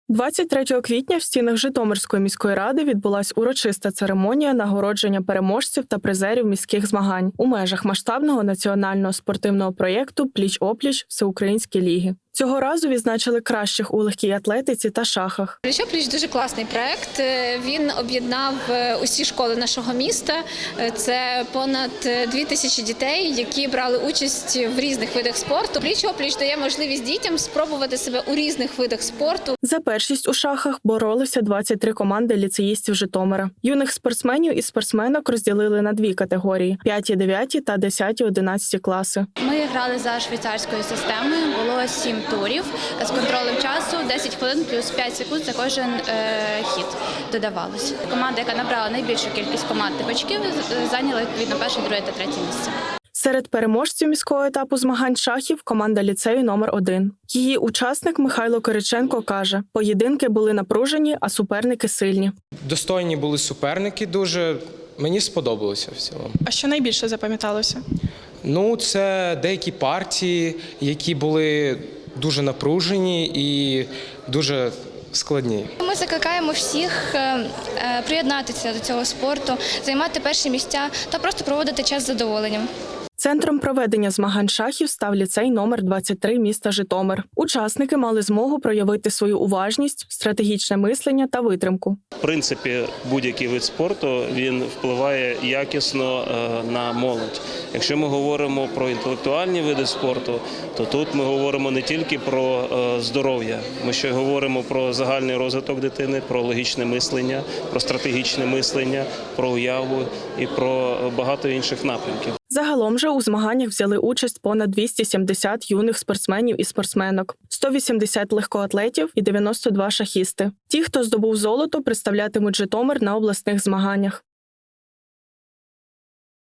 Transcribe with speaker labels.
Speaker 1: 23 квітня в стінах Житомирської міської ради відбулась урочиста церемонія нагородження переможців та призерів міських змагань у межах масштабного національного спортивного проєкту «Пліч-опліч. Всеукраїнські ліги». Цього разу відзначили кращих у легкій атлетиці та шахах.
Speaker 2: «Пліч-опліч» – дуже класний проєкт. Він об'єднав усі школи нашого міста. Це понад 2000 дітей, які брали участь в різних видах спорту. «Пліч-опліч» дає можливість дітям спробувати себе у різних видах спорту.
Speaker 1: За першість у шахах боролися 23 команди ліцеїстів Житомира. Юних спортсменів і спортсменок розділили на дві категорії – 5, 9 та 10, 11 класи.
Speaker 3: Ми грали за швейцарською системою, було 7 турів з контролем часу, 10 хвилин плюс 5 секунд за кожен хід додавалось. Команда, яка набрала найбільшу кількість командних очків, зайняла відповідно перше, друге та третє місце.
Speaker 1: Серед переможців міського етапу змагань шахів – команда ліцею номер 1. Її учасник Михайло Кириченко каже, поєдинки були напружені, а суперники сильні.
Speaker 4: Достойні були суперники дуже, мені сподобалося в цілому.
Speaker 1: А що найбільше запам'яталося?
Speaker 4: Це деякі партії, які були дуже напружені і дуже складні.
Speaker 5: Ми закликаємо всіх приєднатися до цього спорту, займати перші місця та просто проводити час з задоволенням.
Speaker 1: Центром проведення змагань шахів став ліцей номер 23 міста Житомир. Учасники мали змогу проявити свою уважність, стратегічне мислення та витримку.
Speaker 6: В принципі, будь-який вид спорту, він впливає якісно на молодь. Якщо ми говоримо про інтелектуальні види спорту, то тут ми говоримо не тільки про здоров'я, ми ще говоримо про загальний розвиток дитини, про логічне мислення, про стратегічне мислення, про уяву і про багато інших напрямків.
Speaker 1: Загалом же у змаганнях взяли участь понад 270 юних спортсменів і спортсменок, 180 легкоатлетів і 92 шахісти. Ті, хто здобув золото, представлятимуть Житомир на обласних змаганнях.